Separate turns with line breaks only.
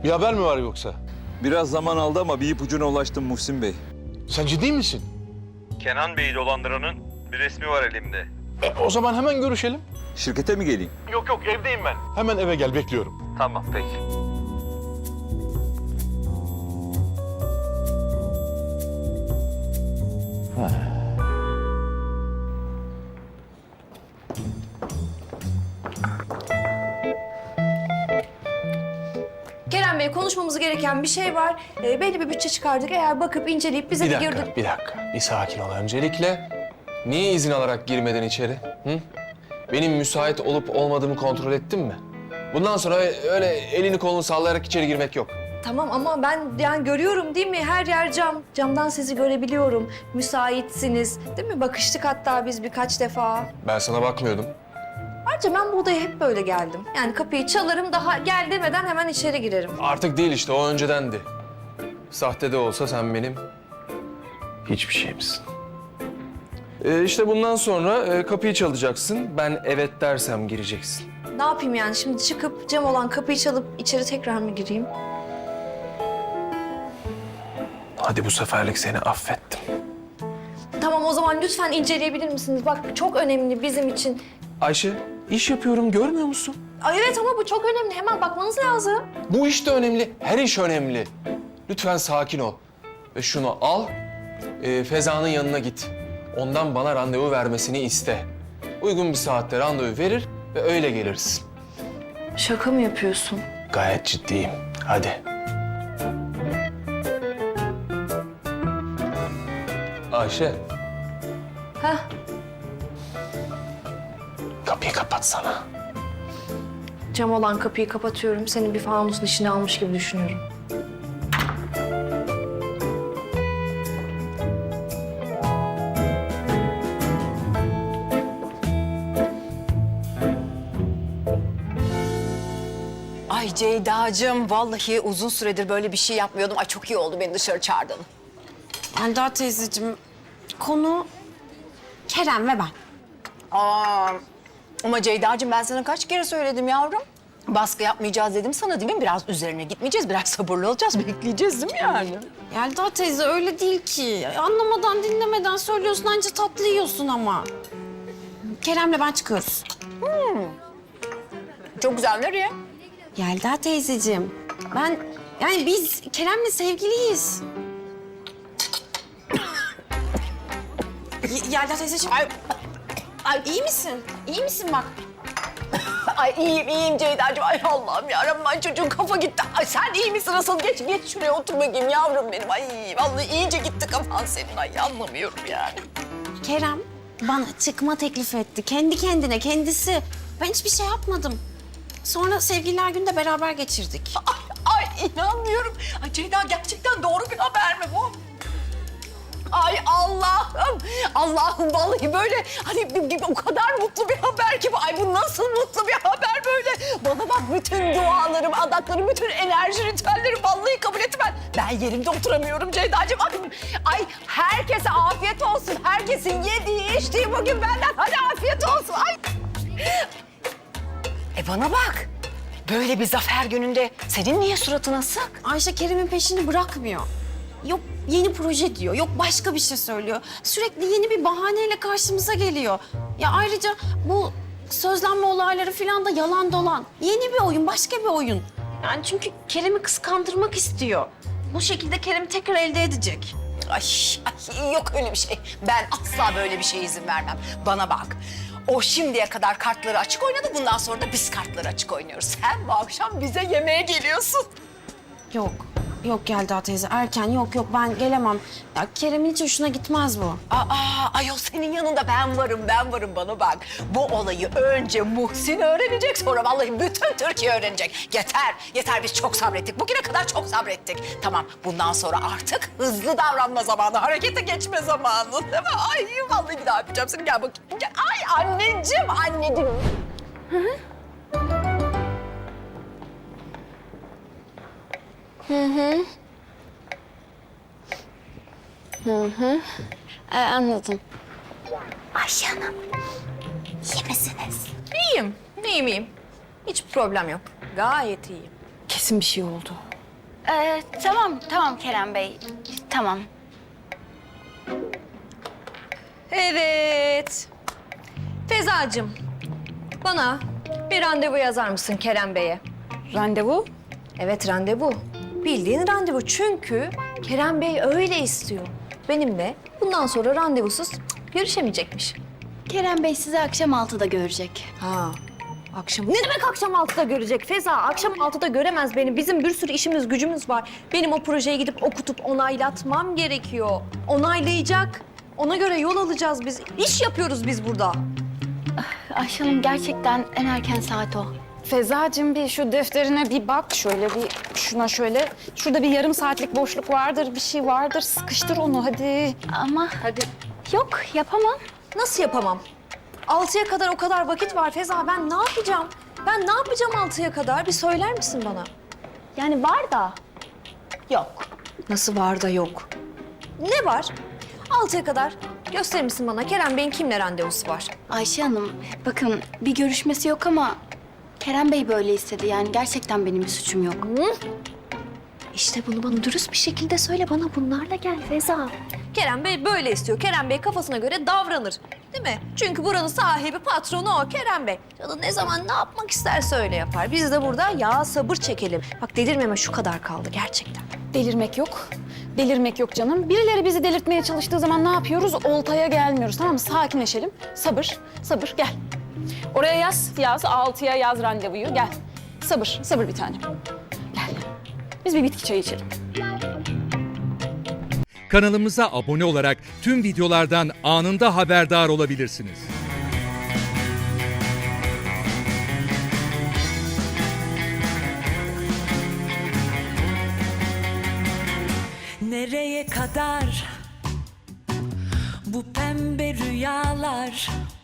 Bir haber mi var yoksa?
Biraz zaman aldı ama bir ipucuna ulaştım Muhsin Bey.
Sen ciddi misin?
Kenan Bey'i dolandıranın bir resmi var elimde.
O zaman hemen görüşelim.
Şirkete mi geleyim?
Yok evdeyim ben.
Hemen eve gel, bekliyorum.
Tamam peki.
Kerem Bey, konuşmamız gereken bir şey var. Belli bir bütçe çıkardık. Eğer bakıp inceleyip bize
Bir
bir
dakika, bir dakika. Bir sakin ol öncelikle. Niye izin alarak girmeden içeri? Hı? Benim müsait olup olmadığımı kontrol ettin mi? Bundan sonra öyle elini kolunu sallayarak içeri girmek yok.
Tamam ama ben yani görüyorum değil mi? Her yer cam. Camdan sizi görebiliyorum. Müsaitsiniz. Değil mi? Bakıştık hatta biz birkaç defa.
Ben sana bakmıyordum.
Ayrıca ben bu odaya hep böyle geldim. Yani kapıyı çalarım, daha gel demeden hemen içeri girerim.
Artık değil işte, o öncedendi. Sahte de olsa sen benim hiçbir şeyimsin. İşte bundan sonra kapıyı çalacaksın. Ben evet dersem gireceksin.
Ne yapayım yani? Şimdi çıkıp cam olan kapıyı çalıp içeri tekrar mı gireyim?
Hadi bu seferlik seni affettim.
Tamam, o zaman lütfen inceleyebilir misiniz? Bak çok önemli bizim için.
Ayşe, iş yapıyorum, görmüyor musun?
Ay evet ama bu çok önemli. Hemen bakmanız lazım.
Bu iş de önemli, her iş önemli. Lütfen sakin ol. Ve şunu al, Feza'nın yanına git. Ondan bana randevu vermesini iste. Uygun bir saatte randevu verir ve öyle geliriz.
Şaka mı yapıyorsun?
Gayet ciddiyim. Hadi. Ayşe,
Heh.
kapıyı kapatsana.
Cam olan kapıyı kapatıyorum. Seni bir fanusun içine almış gibi düşünüyorum.
Ay Ceyda'cığım, vallahi uzun süredir böyle bir şey yapmıyordum. Ay çok iyi oldu beni dışarı çağırdın.
Melda teyzeciğim, konu Kerem ve ben.
Aa, ama Ceyda'cığım ben sana kaç kere söyledim yavrum. Baskı yapmayacağız dedim sana değil mi? Biraz üzerine gitmeyeceğiz, biraz sabırlı olacağız, bekleyeceğiz değil mi yani?
Melda teyze öyle değil ki. Anlamadan, dinlemeden söylüyorsun, anca tatlı yiyorsun ama. Kerem'le ben çıkıyoruz.
Çok güzel, nereye?
Yelda teyzeciğim, yani biz Kerem'le sevgiliyiz. Yelda teyzeciğim, ay iyi misin? İyi misin bak?
Ay iyiyim Ceyda'cığım. Ay Allah'ım yarabbim, ay çocuğun kafa gitti. Ay sen iyi misin asıl? Geç şuraya otur bakayım yavrum benim. Ay vallahi iyice gitti kafan senin. Ay anlamıyorum yani.
Kerem bana çıkma teklif etti. Kendi kendine, kendisi. Ben hiçbir şey yapmadım. Sonra sevgililer günde beraber geçirdik.
Ay inanmıyorum. Ay Ceyda gerçekten doğru bir haber mi bu? Ay Allah'ım, Allah'ım vallahi böyle hani o kadar mutlu bir haber ki bu. Ay bu nasıl mutlu bir haber böyle. Bana bak bütün dualarım, adaklarım, bütün enerji ritüellerim vallahi kabul etti ben. Ben yerimde oturamıyorum Ceyda'cığım. Ay herkese afiyet olsun. Herkesin yediği, içtiği bugün benden. Hadi afiyet olsun. Ay. Bana bak. Böyle bir zafer gününde senin niye suratın asık?
Ayşe Kerem'in peşini bırakmıyor. Yok yeni proje diyor, yok başka bir şey söylüyor. Sürekli yeni bir bahaneyle karşımıza geliyor. Ya ayrıca bu sözlenme olayları falan da yalan dolan. Yeni bir oyun, başka bir oyun. Yani çünkü Kerem'i kıskandırmak istiyor. Bu şekilde Kerem'i tekrar elde edecek.
Ay yok öyle bir şey. Ben asla böyle bir şeye izin vermem. Bana bak. O şimdiye kadar kartları açık oynadı. Bundan sonra da biz kartları açık oynuyoruz. Sen bu akşam bize yemeğe geliyorsun.
Yok Yelda teyze, erken yok ben gelemem. Ya Kerem'in hiç hoşuna gitmez bu.
Ayol senin yanında ben varım bana bak. Bu olayı önce Muhsin öğrenecek, sonra vallahi bütün Türkiye öğrenecek. Yeter biz çok sabrettik. Bugüne kadar çok sabrettik. Tamam bundan sonra artık hızlı davranma zamanı, harekete geçme zamanı değil mi? Ay vallahi bir daha yapacağım seni, gel bakayım. Gel. Ay anneciğim.
Anladım.
Ayşe Hanım, iyi misiniz?
İyiyim. Hiç problem yok. Gayet iyiyim.
Kesin bir şey oldu. Tamam Kerem Bey. Tamam.
Evet. Fezacığım, bana bir randevu yazar mısın Kerem Bey'e?
Randevu?
Evet, randevu. Bildiğin randevu. Çünkü Kerem Bey öyle istiyor. Benimle bundan sonra randevusuz görüşemeyecekmiş.
Kerem Bey sizi akşam 6'da görecek.
Ha, akşam. Ne demek akşam 6'da görecek Feza? Akşam 6'da göremez beni. Bizim bir sürü işimiz, gücümüz var. Benim o projeye gidip okutup onaylatmam gerekiyor. Onaylayacak. Ona göre yol alacağız biz. İş yapıyoruz biz burada.
Ayşe Hanım gerçekten en erken saat o.
Fezacığım bir şu defterine bir bak. Şöyle bir şuna şöyle. Şurada bir yarım saatlik boşluk vardır, bir şey vardır. Sıkıştır onu hadi.
Ama
Hadi.
yok yapamam.
Nasıl yapamam? 6'ya kadar o kadar vakit var Feza. Ben ne yapacağım? Ben ne yapacağım 6'ya kadar? Bir söyler misin bana?
Yani var da yok.
Nasıl var da yok? Ne var? 6'ya kadar gösterir misin bana? Kerem Bey'in kimle randevusu var?
Ayşe Hanım bakın bir görüşmesi yok ama Kerem Bey böyle istedi. Yani gerçekten benim bir suçum yok.
İşte bunu bana dürüst bir şekilde söyle. Bana bunlarla gel Feza. Kerem Bey böyle istiyor. Kerem Bey kafasına göre davranır. Değil mi? Çünkü buranın sahibi, patronu o Kerem Bey. Canı ne zaman ne yapmak isterse öyle yapar. Biz de burada ya sabır çekelim. Bak delirmeme şu kadar kaldı gerçekten.
Delirmek yok. Delirmek yok canım. Birileri bizi delirtmeye çalıştığı zaman ne yapıyoruz? Oltaya gelmiyoruz, tamam mı? Sakinleşelim. Sabır, sabır. Gel. Oraya yaz 6'ya yaz randevuyu. Gel. Sabır, sabır bir tanem. Gel. Biz bir bitki çayı içelim.
Kanalımıza abone olarak tüm videolardan anında haberdar olabilirsiniz.
Nereye kadar bu pembe rüyalar?